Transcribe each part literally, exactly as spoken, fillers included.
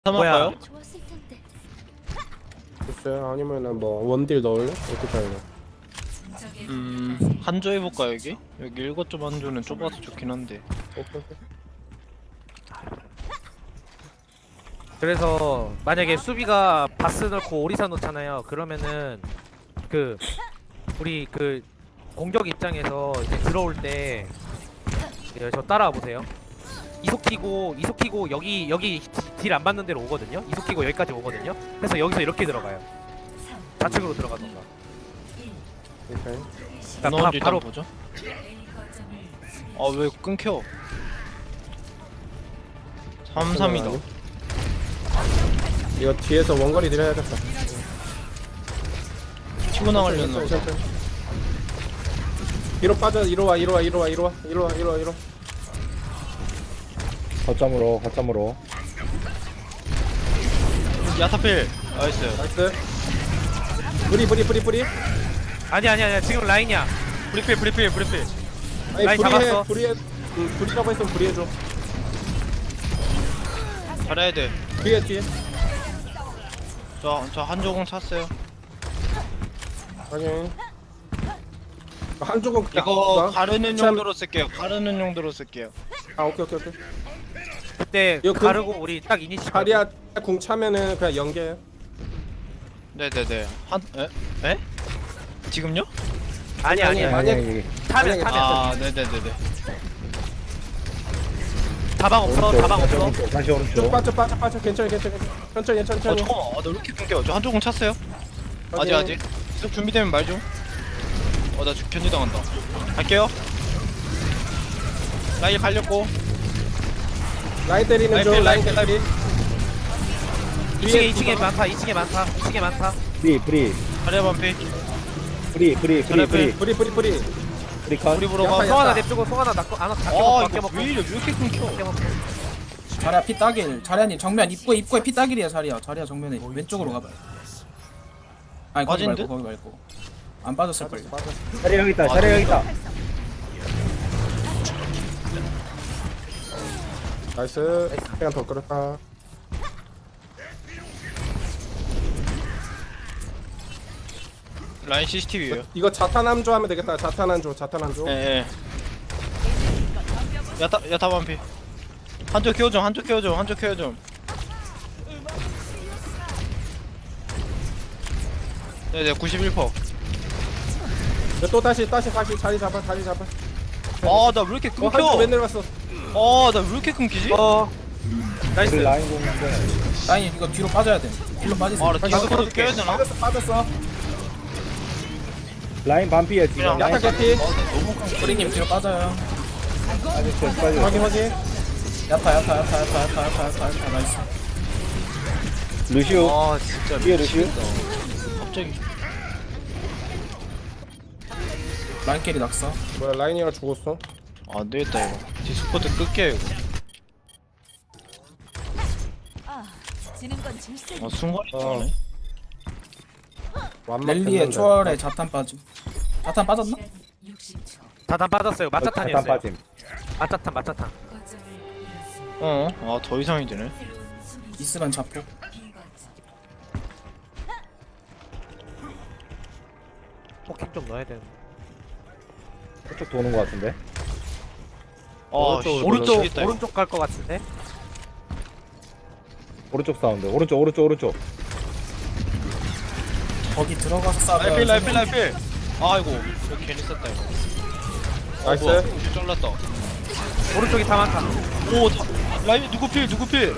뭐야? 삼아봐요? 좋았을 텐데. 글쎄요, 아니면은 뭐 원딜 넣을래? 어떻게 할래? 음... 한조 해볼까 여기? 여기 일곱 점 한조는 좁아서 좋긴 한데 오케이, 오케이. 그래서 만약에 수비가 바스 넣고 오리사 넣잖아요. 그러면은 그 우리 그 공격 입장에서 이제 들어올 때 예, 저 따라와 보세요. 이속 키고 이속 키고 여기 여기 딜 안 받는 데로 오거든요. 이속 키고 여기까지 오거든요. 그래서 여기서 이렇게 들어가요. 좌측으로 들어가던가. 오케이. 그러니까 넣은 바, 지 바로 일단 보죠. 아 왜 끊겨? 삼 삼이다. 이거 뒤에서 원거리 드려야겠다. 치고 나가려나 보다. 천천히, 천천히. 뒤로 빠져. 이리 와, 이리 와, 이리 와, 이리 와, 이리 와, 이리 와, 이리 와. 거점으로 거점으로 야타필! 나이스. 나이스. 뿌리, 뿌리, 뿌리, 뿌리. 아니 아니 아니 지금 라인이야. 브리필 브리필 브리필. 아니, 라인 뿌리해, 잡았어. 뿌리해. 응, 뿌리라고 했으면 뿌리해줘. 잘해야 돼. 뒤에, 뒤에. 저, 저 한조공 찼어요. 확인. 한쪽은 그냥 이거 나- 가르는 참- 용도로 쓸게요. 가르는 용도로 쓸게요. 아, 오케이, 오케이, 오케이. 그때 이거 그- 가르고 우리 딱 이니시. 다리야 궁 차면은 그냥 연계. 네네네. 한.. 에? 에? 지금요? 아니 아니 아니. 만약- 아니 타면 만약에- 타면 아 네네네네. 다방 없어 다방 없어. 오른쪽 다시 좀 오른쪽 빠져, 빠져, 빠져. 괜찮아, 괜찮아, 괜찮아. 천천히, 어 천천히. 잠깐만. 아, 나 왜 이렇게 끊겨? 저 한조공 찼어요. 아직 확인. 아직. 계속 준비되면 말 좀. 어 나 견제당한다. 갈게요. 라인 갈렸고. 라인 때리는 라인 중, 필, 라인 라인 때리. 이 층에 이 층에 많다. 이 층에 많다. 이 층에 많다. 프리 프리 자리야 반피. 프리 프리 프리 잘해, 프리 뿌리, 뿌리, 뿌리. 프리 컷 우리 보러 야파, 가. 야파. 송 하나 냅주고 송 하나 낚고 안 아 아껴 이거 먹고 왜 이래? 왜 이렇게 끊겨? 아껴 먹고. 자리야 피 따길. 자리야님 정면 입구에 입구에 피 따길이야 자리야. 자리야 정면에 왼쪽으로 가봐. 아니 거기 빠진데? 말고 거기 말고. 안 빠졌을 걸요. 자리 여기 있다 자리 여기 있다 나이스. 시간 더 끌었다. 라인 씨씨티비예요. 이거 자탄함조 하면 되겠다. 자탄함조, 자탄함조. 예. 예. 야타 야타 반피. 한쪽 키워 좀. 한쪽 키워 좀. 한쪽 키워 좀. 네네 구십일 퍼센트. 또 다시, 다시, 다시 자리 잡아, 자리 잡아. 아나 왜 이렇게 어, 한조 왜 끊겨? 내려갔어? 아나 왜 이렇게 끊기지? 어. 나이스. 우리 라인 공인데 라인 이거 뒤로 빠져야 돼. 뒤로 빠지세요. 아나 디스코드 껴야 되나? 빠졌어, 빠졌어. 라인 반피야 지금 그냥 야타 개피. 우리님 뒤로 빠져요. 아직 저 빨리 확인, 확인. 야타 야타 야타 야타 야타 야타 야타 야타 나이스. 루시오 아 진짜 뒤에 루시오 갑자기. 라인 캐리 낙서. 뭐야, 라인이랑 죽었어. 아, 안 되겠다 이거. 디스코드 끌게요 이거. 아, 지는 건 질색. 아 순간이 어. 좋네. 완막 랠리의 됐는데. 초월에 자탄 빠짐. 자탄 빠졌나? 다단 빠졌어요. 자탄 맞자탄이었어요. 빠짐 맞자탄 맞자탄. 어? 아 더 이상이 되네. 이스만 잡고. 포킹 좀 넣어야 되는. 저쪽 도는 거 같은데 아 오른쪽으로 오른쪽 미치겠다, 이거. 오른쪽 갈 것 같은데. 오른쪽 사운드 오른쪽 오른쪽 오른쪽 거기 들어가서 싸워요. 라이필 라이필 라이필. 아이고 이거 괜히 썼다 이거. 나이스. 어, 뭐야, 이거 잘랐다. 오른쪽이 다 많다. 오 다, 라이필 누구 필 누구 필.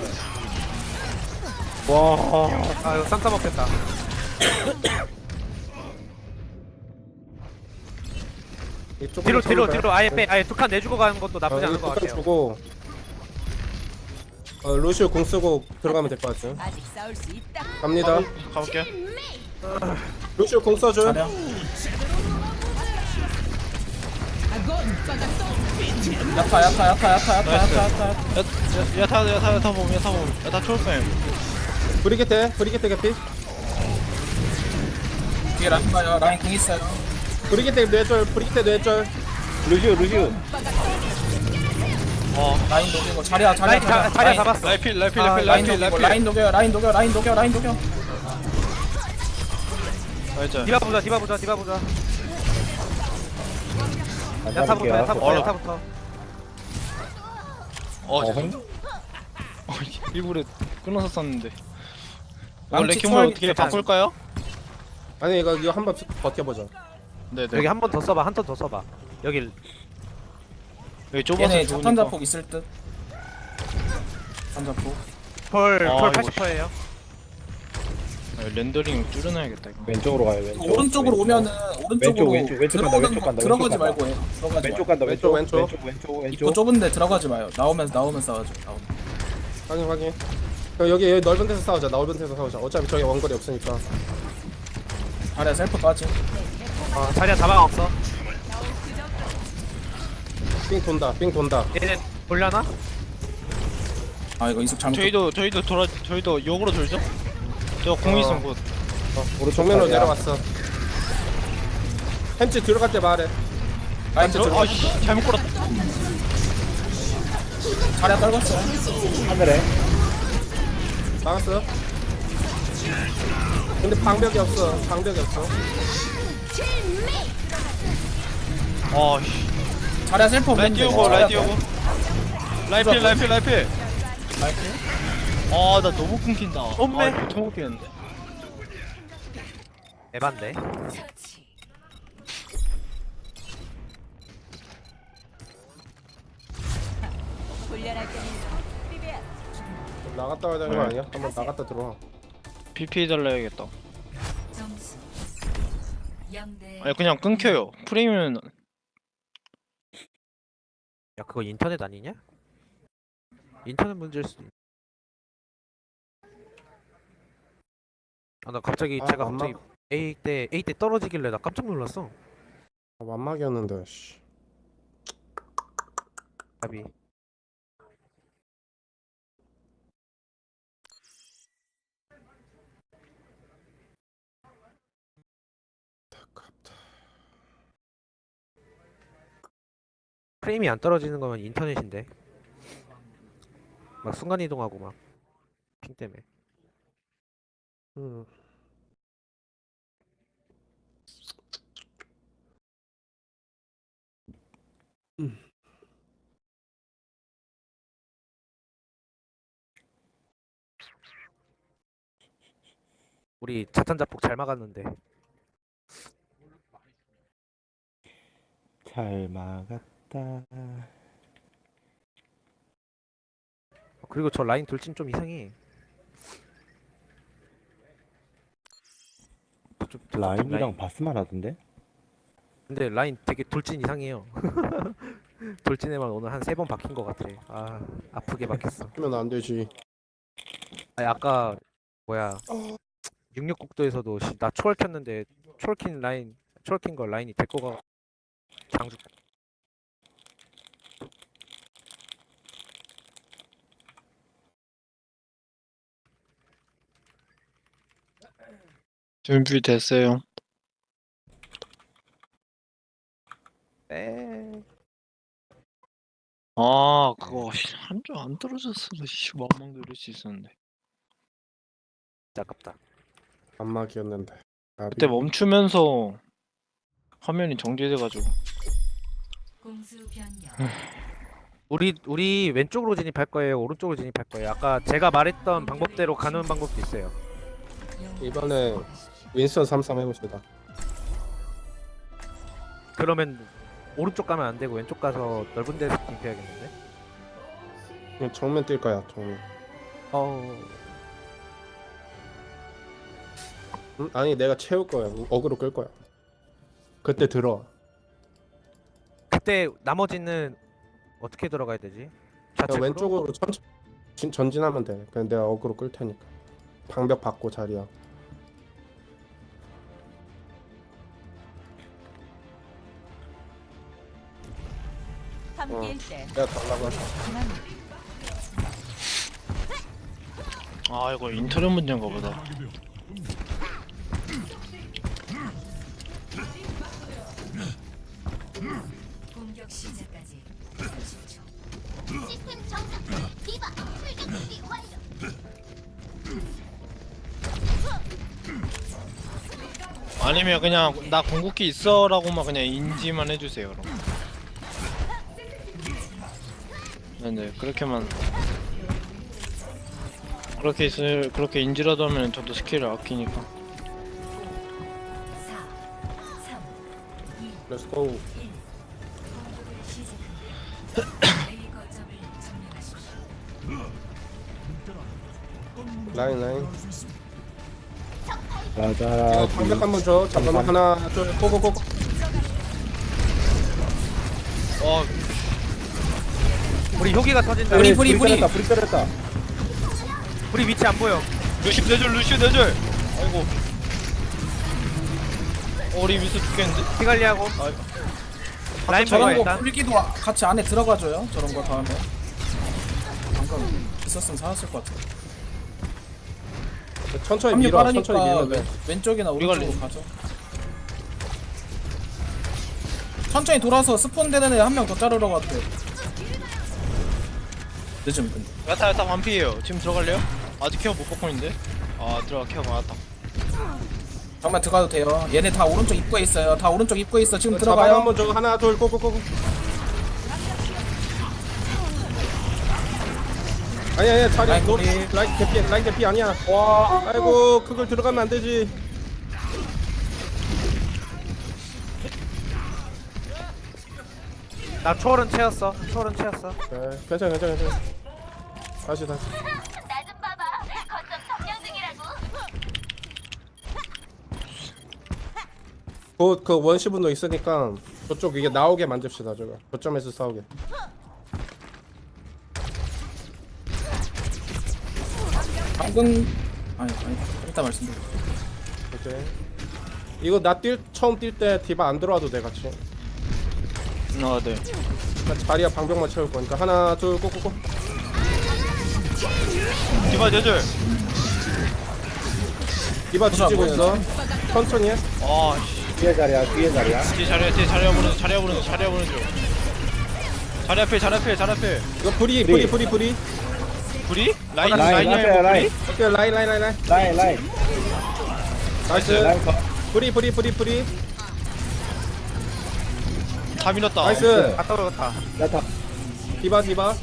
와 아 이거 쌈싸 먹겠다. 이쪽으로 뒤로 뒤로 쳐볼까요? 뒤로 아예 빼. 아예 두 칸 내주고 가는 것도 나쁘지 어, 않은 이거 것 뚜껑 같아요. 주고. 어, 루시오 공 쓰고 들어가면 될 것 같아요. 아직 싸울 수 있다. 갑니다. 가볼게. 루시오 공 써줘. 자리야. 야타 야타 야타 야타 야타 나이스. 야타 야타. 야, 야, 야타 야타 야타 봄 야타 봄 야타 초록뱀. 브리게테, 브리게테 개피. 뒤에 라인 봐요. 라인 공 있어요. 브리게테 뇌절, 브리게테 뇌절. 루시오 루시오 어 라인 녹이고 자리야 자리야 라인 자, 자리야 라인, 잡았어. 라이필 라이필 아, 라이필 라인 라이필 녹이고 라이필 라인 녹여 라인 녹여 라인 녹여 라인 녹여 맞아. 디바 보자 디바 보자 디바 보자. 안 야타부터 잡을게요. 야타부터 어. 야타부터. 어 어, 죄송. 어, 일부러 끊어서 썼는데. 이거 망치 레킹볼 초월 어떻게 괜찮아. 바꿀까요? 아니 이거 이거 한번 버텨보자. 네네. 여기 한 번 더 써봐 한 턴 더 써봐. 여기 여기 좁아서 얘네 좋으니까. 자탄 자폭 있을 듯 자탄 자폭 펄, 아, 펄 이거 팔십 퍼센트예요. 아, 렌더링 줄여놔야겠다 이거. 왼쪽으로 가요 왼쪽. 오른쪽으로 왼쪽. 오면은 오른쪽으로 왼쪽, 왼쪽 간다, 들어오는 왼쪽 거 간다, 들어가지 왼쪽 말고 해 들어가지 왼쪽 말고 간다 왼쪽 왼쪽, 왼쪽 왼쪽 왼쪽. 입구 좁은데 들어가지 마요 나오면서 나오면서 싸워줘 나오면. 확인 확인. 그럼 여기 여기 넓은 데서 싸우자. 넓은 데서 싸우자. 어차피 저기 원거리 없으니까. 자리야 셀프 빠지 어, 자리야 자막 없어. 삥 돈다. 삥 돈다. 얘네 돌려나? 아 이거 이속 잘못 저희도 저희도 돌아 저희도 역으로 돌죠? 저 공 어. 있으면 곧. 오른쪽 정면으로 자리야. 내려왔어. 햄찌 들어갈 때 말해. 라인 저- 들어 아씨 잘못 걸었다. 자리야 떨궜어 하늘에. 막았어. 근데 방벽이 없어. 방벽이 없어. 아씨. 자리야 셀프 라인 없는데 띄우고 라인 띄우고. 라이필 라이필 라이필. 라이프 아나 너무 끊긴다. 엄매. 아, 이거 너무 끊기는데. 에반데. 처치. 훈련할 때는 비벼. 나갔다 와야 되는 거 아니야? 한번 나갔다 들어와. 피피 달라야겠다. 점수 영 대 아니 그냥 끊겨요. 프레임은 야 그거 인터넷 아니냐? 인터넷 문제일 수도 있. 아나 갑자기 아, 제가 맘마- 갑자기 A 때 A 때 떨어지길래 나 깜짝 놀랐어. 아, 완막이었는데. 씨. 답이. 프레임이 안 떨어지는 거면 인터넷인데. 막 순간 이동하고 막 핑 때문에. 음. 우리 자탄 자폭 잘 막았는데. 잘 막았다. 어, 그리고 저 라인 돌진 좀 이상해. 좀- 좀 라인이랑 라인- 바스만 하던데? 근데 라인 되게 돌진 이상해요. 돌진에만 오늘 한 세 번 박힌 것 같아. 아 아프게 박혔어. 하면 안 되지. 아니 아까 뭐야 육육국도에서도 씨, 나 초월 켰는데 초월 킨 라인 초월 킨거 라인이 데리고 가 장주. 준비됐어요. 에 아 그거 한 줄 안 떨어졌어도 씨 왕망 누릴 수 있었는데. 진짜 아깝다. 완막이었는데. 나비. 그때 멈추면서 화면이 정지돼가지고. 공수 변경. 우리 우리 왼쪽으로 진입할 거예요. 오른쪽으로 진입할 거예요. 아까 제가 말했던 방법대로 가는 방법도 있어요. 이번에 윈스턴 삼삼 해봅시다. 그러면 오른쪽 가면 안 되고 왼쪽 가서 넓은 데서 진입해야겠는데. 그냥 정면 뛸 거야. 정면. 어 응? 아니 내가 채울 거야. 어그로 끌 거야. 그때 들어. 그때 나머지는 어떻게 들어가야 되지? 그냥 좌측으로? 왼쪽으로 천천히 진- 전진하면 돼. 그냥 내가 어그로 끌 테니까. 방벽 받고 자리야. 함께일 때 내가 달라고 할게. 그만 아 이거 인터넷 문제인가 보다. 공격 시작까지 삼십 초. 아니면 그냥 나 궁극기 있어라고만 그냥 인지만 해주세요. 그럼. 네네 그렇게만 그렇게 있을 그렇게 인지라도 하면 저도 스킬을 아끼니까. 사, 삼, 이, Let's go. 공격을 시작합니다. A 거점을 점령하십시오. 라인 라인. 라자 이거 방벽 한번 줘. 잠깐만 하나 둘 고고고. 어 우리 효기가 터진다. 우리 우리, 불이 불이 때렸다 불이 때렸다. 우리 위치 안 보여. 루시 내줄 루시 내줄. 아이고. 어, 우리 미스 죽겠는데? 피관리하고. 라인 보여 저런 거 일단. 불기도 같이 안에 들어가줘요. 저런 거 다음에. 방금 있었으면 살았을 것 같아. 천천히 합류 밀어. 천천히 빠르니까 밀어. 왼, 왼쪽이나 우리가 오른쪽으로 가죠. 천천히 돌아서 스폰 되는 애 한 명 더 자르러 갔대. 늦음 근데. 야타 야타 완피예요. 지금 들어갈래요? 아직 케어 못 받고 있는데? 아 들어가 케어 받았다. 정말 들어가도 돼요. 얘네 다 오른쪽 입구에 있어요. 다 오른쪽 입구에 있어. 지금 자방 들어가요. 한번 줘. 하나 둘 고고고. 아니 아니 자리 라인 너 거기. 라인 개피 라인 개피 아니야. 와 아이고 그걸 들어가면 안 되지. 나 초월은 채웠어. 초월은 채웠어. 네, 괜찮아 괜찮아 괜찮아. 다시 다시. 나좀 봐봐. 거점 점령 중이라고. 곧그 원시 분도 있으니까 저쪽 이게 나오게 만듭시다 저거. 저점에서 싸우게. 방금 아니 아니 일단 말씀드려. 오케이. 이거 나 뛸 처음 뛸 때 디바 안 들어와도 돼 같이. 아 네. 나 자리야 방벽만 채울 거니까 하나 둘 꼬꼬꼬. 디바 내줄. 디바 보자, 뒤지고 보자. 있어. 천천히 해. 아 씨. 뒤에 자리야 뒤에 자리야. 뒤에 자리야 뒤에 자리야 보는 중 자리야 보는 중 자리야 보는 중. 자리 앞에 자리 앞에 자리 앞에. 이거 불이 불이 불이 불이. 불이? 라인 라인 라인이야 라인 이거 라인 불이? 오케이 라인 라인 라인 라인. 라인 라인 나이스. 라인 컷. 불이 불이 불이 불이. 다 밀었다. 나이스. 갔다 오겠다. 야타. 디바 디바.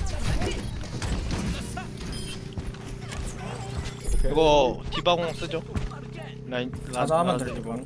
오케이. 이거 디바공 쓰죠? 라인 자자 하면 라- 들리고.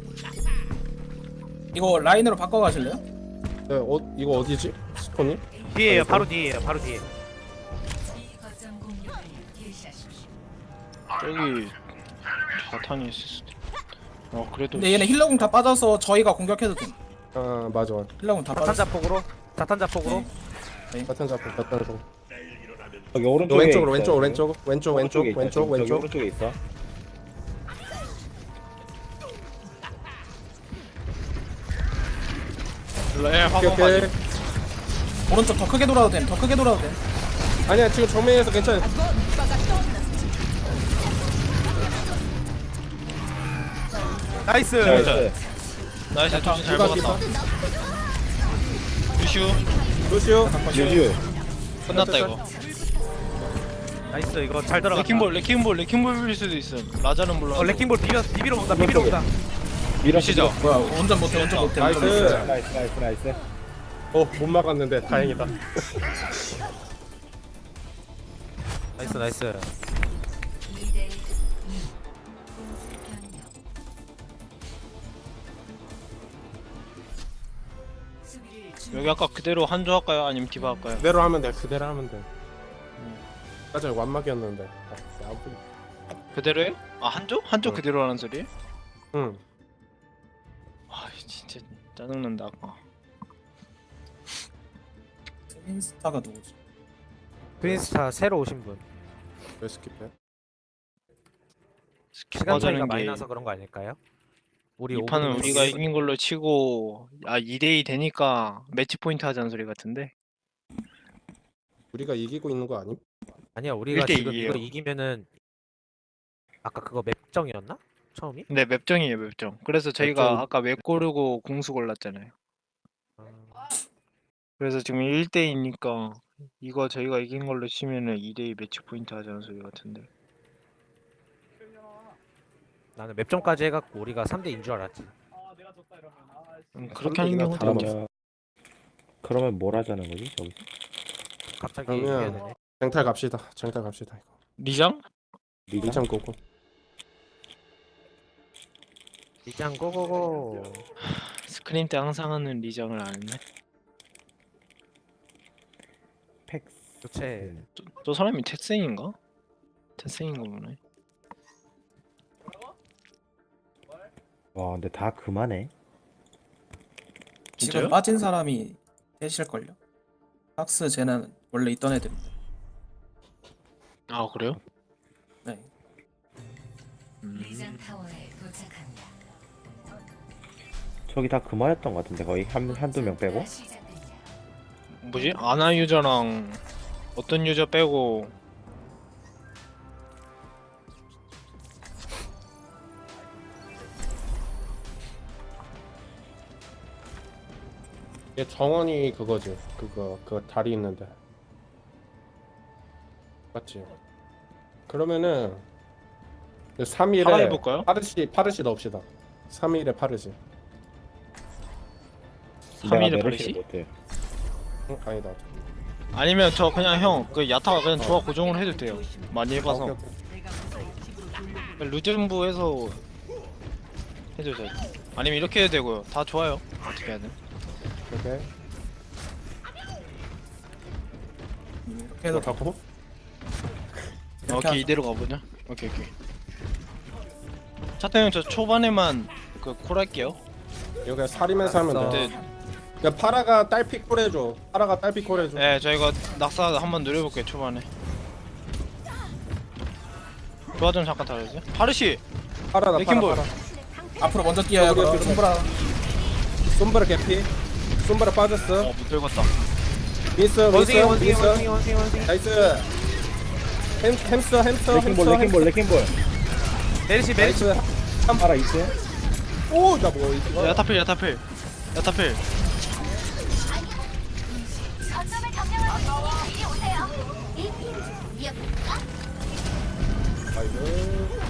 이거 라인으로 바꿔 가실래요? 네, 어 이거 어디지? 스폰이? 뒤에요. 바로 뒤에요. 바로 뒤에. B 거점 공격을 개시하십시오. 저기 자탄이 있을 수도. 어 그래도. 근데 얘네 힐러궁 다 빠져서 저희가 공격해도 돼. 아 맞아. 힐러궁 다 자탄 빠졌어. 자폭으로. 자탄 자폭으로. 같은 잡고 같은 잡고. 여기 오른쪽에 왼쪽으로 있어, 왼쪽 여기. 왼쪽 왼쪽 왼쪽 오른쪽에 있다, 왼쪽 저기, 저기 왼쪽. 오른쪽에 있어. 예, 오케이 화공 오케이. 빠지. 오른쪽 더 크게 돌아도 돼. 더 크게 돌아도 돼. 아니야 지금 정면에서 괜찮아. 나이스. 나이스. 나이스 조심 잘 디바 먹었다. 디바. 루슈 루시오. 유유. 끝났다 이거. 나이스. 이거 잘 들어갔다. 레킹볼 레킹볼 레킹볼 빌릴 수도 있어. 라자는 몰라. 어 레킹볼 비벼 비비러 온다. 비비러 온다. 밀어 시죠. 뭐야? 운전 못해. 운전 못해. 나이스. 운전 못해. 나이스 나이스 나이스. 어못 막았는데 다행이다. 나이스 나이스. 이 대 이. 공수 변경. 수비를 준 여기 아까 그대로 한조 할까요? 아니면 디바 할까요? 그대로 하면 돼. 그대로 하면 돼. 맞아 완막이었는데. 아, 아무튼. 그대로 해? 아 한조? 한조 응. 그대로 하는 소리? 응. 아 진짜 짜증난다 아까. 인스타가 누구지? 프린스타 새로 오신 분. 왜 스킵해? 시간 차이가 맞아는 많이 게 나서 그런 거 아닐까요? 우리 이 판은 오 분은 우리가 있- 이긴 걸로 치고 아 이 대 이 되니까 매치 포인트 하자는 소리 같은데. 우리가 이기고 있는 거 아님? 아니야 우리가 일 대 지금 이예요. 이거 이기면은 아까 그거 맵정이었나? 처음이? 네 맵정이에요 맵정. 그래서 저희가 맵정. 아까 맵 고르고 공수 골랐잖아요. 그래서 지금 일 대 이니까 이거 저희가 이긴 걸로 치면은 이 대 이 매치 포인트 하자는 소리 같은데. 나는 몇 점까지 해갖고 우리가 삼 대인 줄 알았지. 음, 그렇게 하는 경우도 다름 있죠. 없어. 그러면 뭘 하자는 거지 저기서? 갑자기 그러면- 해야 되네. 쟁탈 갑시다. 쟁탈 갑시다. 이거. 리장? 리장? 리참 꼬고. 리장 고고고. 스크림 때 항상 하는 리장을 안 했네. 팩스. 교체. 저, 저 사람이 태생인가? 태생인가 보네. 와 근데 다 그만해. 지금 진짜요? 빠진 사람이 셋일걸요? 박스 쟤는 원래 있던 애들. 아 그래요? 네. 리장 음. 타워에 도착합니다. 저기 다 그만했던 것 같은데 거의 한 한두 명 빼고. 시작됩니다. 뭐지? 아나 유저랑 어떤 유저 빼고 얘 정원이 그거지. 그거 그 다리 있는데. 맞지? 그러면은 삼 일에 하나 해볼까요? 파르시 파르시 넣읍시다. 삼 일에 파르시. 삼 일에 내가 버리시? 메르시를 못해. 응? 아니다. 아니면 저 그냥 형 그 야타가 그냥 조합 고정을 해도 돼요. 많이 해봐서 오케이, 오케이. 루즈부에서 해도 돼. 아니면 이렇게 해도 되고요. 다 좋아요. 어떻게 해야 돼? 오케이. 이렇게 해도 이거 갖고. 이렇게 오케이 하자. 이대로 가보자. 오케이 오케이. 차태 형저 초반에만 그 콜할게요. 여기 살이면서 하면 알았어. 돼. 네, 야 파라가 딸피 콜해줘. 파라가 딸피 콜해줘. 네 저희가 낙사 한번 노려볼게요 초반에. 조화 좀 잠깐 다르지? 파르시 파라다 파라 레킹볼. 파라. 앞으로 먼저 뛰어야 우리 그럼 옆에 손보라. 솜브라 개피. 솜브라 빠졌어. 어못 들었다. 윈스 원숭이 윈스 원숭이 윈스. 원숭이 원숭이 원숭이. 나이스. 햄 햄스터 햄스터 레킹볼 햄스터. 레킹볼 레킹볼. 메르시 메르시. 나이스. 알아 있어요? 오, 나 뭐 이거. 야타필 야타필 야타필. 거점을 점령하는 이리 오세요. 이 아이고.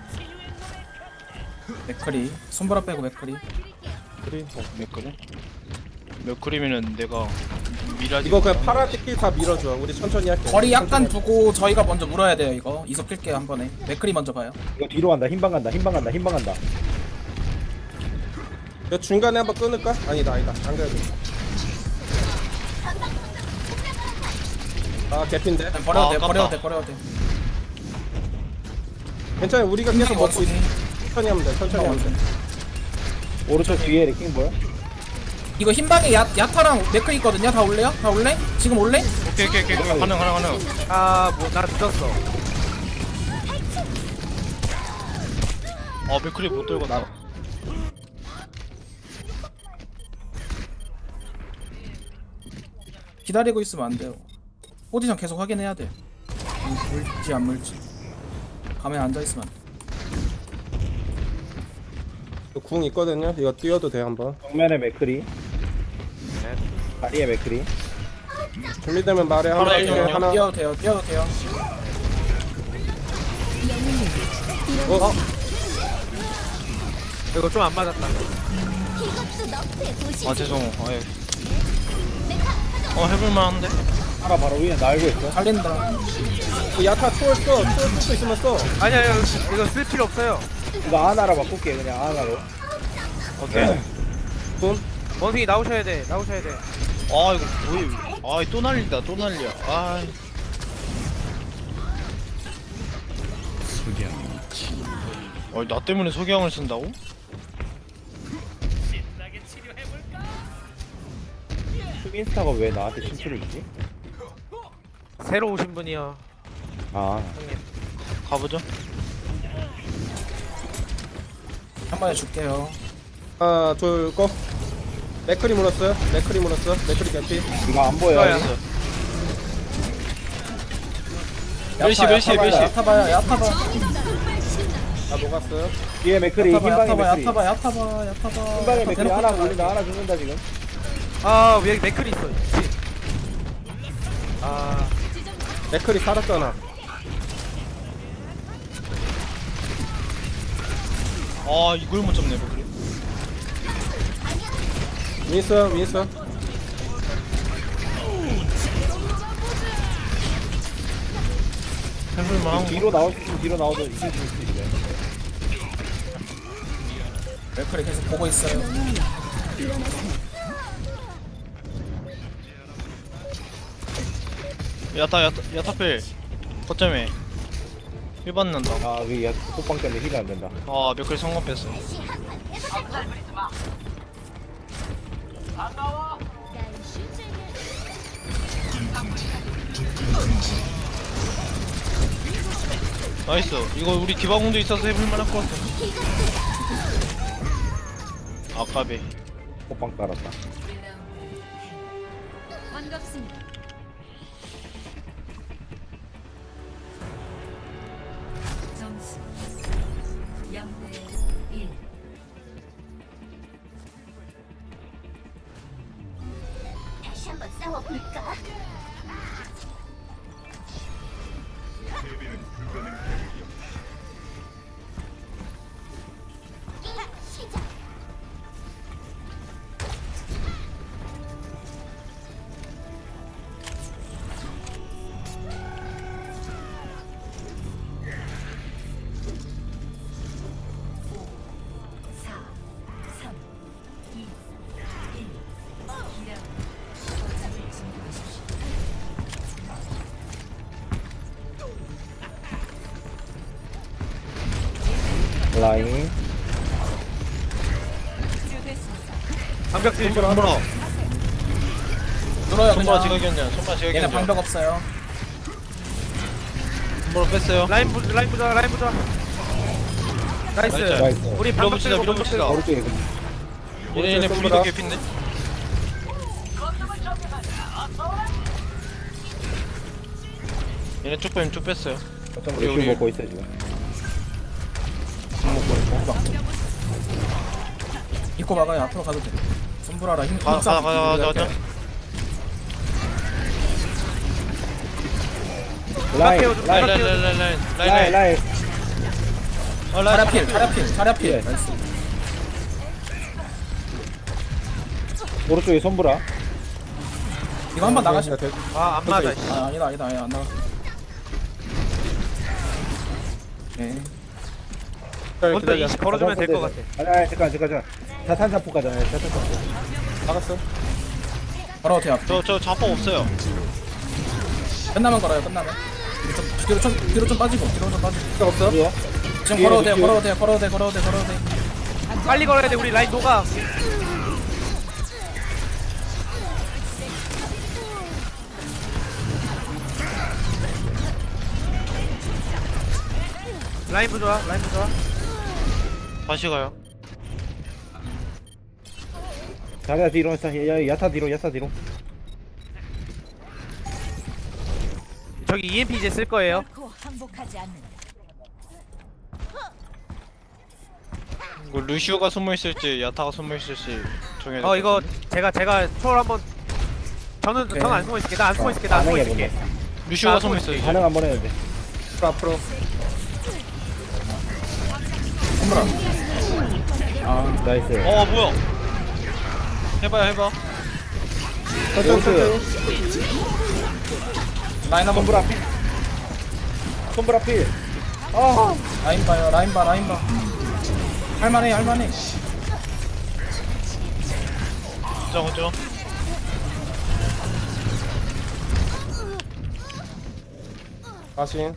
맥크리. 손보라 빼고 맥크리. 그래. 몇 그림? 몇 그림이면 내가 미라지. 이거 그냥 파라 띠끼 다 밀어줘. 우리 천천히 할게. 거리 약간 천천히 두고 저희가 먼저 물어야 돼요 이거. 이석 끌게요 한 번에. 맥크리 먼저 봐요. 이거 뒤로 간다. 흰방 간다. 흰방 간다. 흰방 간다. 할게. 이거 중간에 한번 끊을까? 아니다, 아니다. 안 그래도. 아, 개핀데. 그냥 버려도 아, 돼. 아깝다. 버려도 돼. 버려도 돼. 괜찮아. 우리가 계속 흰방이 먹고 있어. 원숭이. 천천히 하면 돼. 천천히 하면 돼. 오른쪽 뒤에 레킹볼. 이거 흰방에 야, 야타랑 맥크리 있거든요. 다 올래요? 다 올래? 지금 올래? 오케이 오케이 오케이 가능 가능 가능. 아뭐 나 늦었어. 아 맥크리 못 들었다. 기다리고 있으면 안 돼요. 포지션 계속 확인해야 돼. 물- 물지 안 물지. 가만히 앉아 있으면 안 돼. 이거 궁 있거든요. 이거 뛰어도 돼 한번. 정면에 맥크리. 다리에 맥크리. 준비되면 말해. 한번 하나 할게. 일점이요. 하나. 뛰어도 돼요. 뛰어도 돼요. 어, 이거 좀 안 맞았다. 아 죄송. 아예. 어 해볼만한데? 하나 바로 위에 날고 있어. 살린다. 그 야타 초월 써. 초월 쓸수 있으면 써. 아니 아니 이거, 이거 쓸 필요 없어요. 이거 하나로 바꿀게 그냥 하나로. 오케이. 돈. 원숭이 나오셔야 돼. 나오셔야 돼. 아 이거 뭐야? 아또 난리다 또 난리야. 아. 어, 나 때문에 소개형을 쓴다고? 수빈스타가 왜 나한테 신출을 주지? 새로 오신 분이요. 아 가보죠. 한 번에 줄게요. 하나, 둘, 고. 맥크리 물었어요. 맥크리 물었어. 맥크리 개피. 이거 안 보여. 이거야. 멜시 야타, 멜시 야타 봐요, 멜시. 야타 봐요. 야타 봐. 다 녹았어요. 뒤에 맥크리 야타 봐. 흰방에 야타 봐. 맥크리. 야타 봐. 야타 봐. 야타 봐. 흰방에 야타 맥크리 대놓고 하나 있잖아. 올린다. 하나 죽는다 지금. 아 여기 맥클이 있어. 그치? 아 맥클이 살았잖아. 아 이걸 못 잡네 그래. 윈스 윈스. 해볼만 한 거. 뒤로 나올 수 있으면 뒤로 나와도 이길 수 있어. 맥크리 계속 보고 있어요. 야타 야타 야타필 거점에 일 받는다. 아, 위 야, 호빵 때문에 힐이 안 된다. 아 몇클 성공 뺐어. 나이스. 이거 우리 디바공도 있어서 해볼만 할 것 같아. 아까비. 호빵 깔았다. 반갑습니다. 점수 영 대 일. 다시 한번 싸워볼까? 시작. 사, 삼, 이, 일. 기량 거점을 진입하십시오. 라인. 방벽질 좀 손보라. 뚫어요 손보라 그냥. 지각이었냐? 손보라 얘네 지각이었냐? 방벽 없어요. 손보라 뺐어요. 라인 부 라인 부자 라인 부자 나이스 나이스. 나이스. 우리 방벽 밀어붙이다 들고 방벽 밀어붙이다. 들고 오른쪽에 그 얘네 얘네 손보라. 불리도 개핀데. 얘네 쭉 빼면 쭉 뺐어요. 거점 우리, 루슈 우리. 먹고 있어 지금. 입고 막아요. 앞으로 가도 돼. 손브라라 힘. 가 가 가 가 가자. 라인, 좀 라인 라인, 라인 라인 라인 라인 라인, 라인. 라인. 아 라인. 자랴필, 자랴필, 자랴필. 예. 나이스. 오른쪽에 손보라. 이거 한번 나가시. 아안 맞아 씨. 아 아니다 아니다 아니다 안 나가. 네. 먼저 이십 걸어주면 될 것 같아 아니, 아니, 잠깐, 잠깐, 잠깐. 자탄사포 가자. 네, 자탄사포. 나갔어. 걸어도 돼요. 저저 자포 없어요. 끝나면 걸어요. 끝나면. 뒤로 좀 뒤로 좀 뒤로 좀 빠지고 뒤로 좀 빠지고. 필요 없어? 뒤에. 지금 뒤에, 걸어도 돼요. 뒤에. 걸어도 돼요. 걸어도 돼. 걸어도 돼. 걸어도 돼. 빨리 걸어야 돼 우리 라인 녹아 라인 부자 라인 부자 다시 가요. 자리야 뒤로, 자, 야, 야타 뒤로, 야타 뒤로. 저기 이엠피 이제 쓸 거예요 결코 항복하지 않는다. 이거 루시오가 숨어 있을지 야타가 숨어 있을지 정해야 어 이거 제가 제가 초월 한번 저는 오케이. 저는 안 숨어 있을게 나 안 숨어 있을게 나 안 숨어 반응해 있을게 루시오가 나 숨어 있어 이제. 반응 한번 해야 돼. 앞으로. 손브라. 아 나이스. 어 뭐야? 해봐요 해봐. 오른쪽. 라인 한번 손보라 필. 손보라 필. 아, 라인 봐요. 라인 봐. 라인 봐. 할만해. 할만해. 자 그죠? 다시.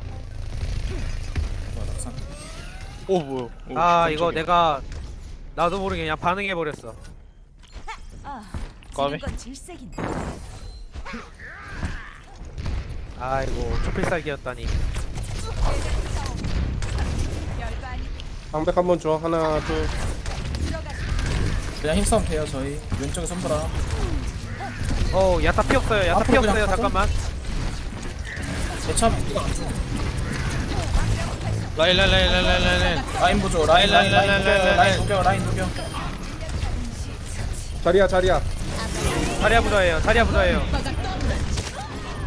오 뭐야? 오, 아 이거 깜짝이야. 내가 나도 모르게 그냥 반응해 버렸어 아, 까비. 지는 건 질색인데. 아이고 초필살기였다니 별거 아니. 방백 한번 줘. 하나, 둘. 그냥 힘싸움 돼요. 저희 왼쪽에 손브라. 어 야타 피 없어요 야타 피 앞으로 그냥 없어요 가자. 잠깐만 제참 이거 안 줘. 라인 라인 라인 라인 라인 라인. 라인 보조. 라인 라인 라인 라인, 라인, 녹여. 라인, 라인 녹여. 라인 녹여. 자리야, 자리야. 자리야 부자예요 자리야 부자예요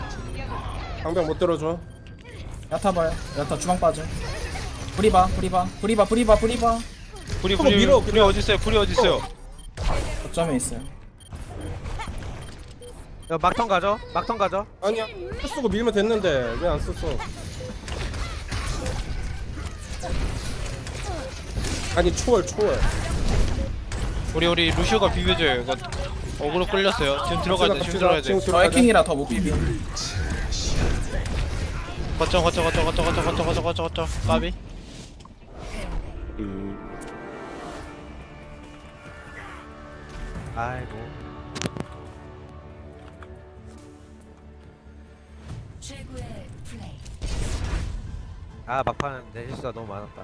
방벽 못 들어줘. 야타 봐요. 야타 주방 빠져. 브리바 브리바 브리바 브리바 브리바. 불이 한번 불이 밀어, 불이 어디 있어요? 불이 어디 있어요? 거점에 있어요. 야, 막턴 가죠. 막턴 가죠. 아니야. 쓰고 밀면 됐는데 왜 안 썼어? 아니 초월 초월. 우리 우리 루시오가 비벼줘요. 이거 어그로 끌렸어요. 지금 들어가야 돼. 지금 갑시다. 들어가야 돼. 지금 저 들어가야 돼. 해킹이라 더 못 비비. 거쳐 거쳐 거쳐 거쳐 거쳐 거쳐 거쳐 거쳐 거쳐. 까비. 음. 아이고. 최고의 플레이. 아 막판 내 실수가 너무 많았다.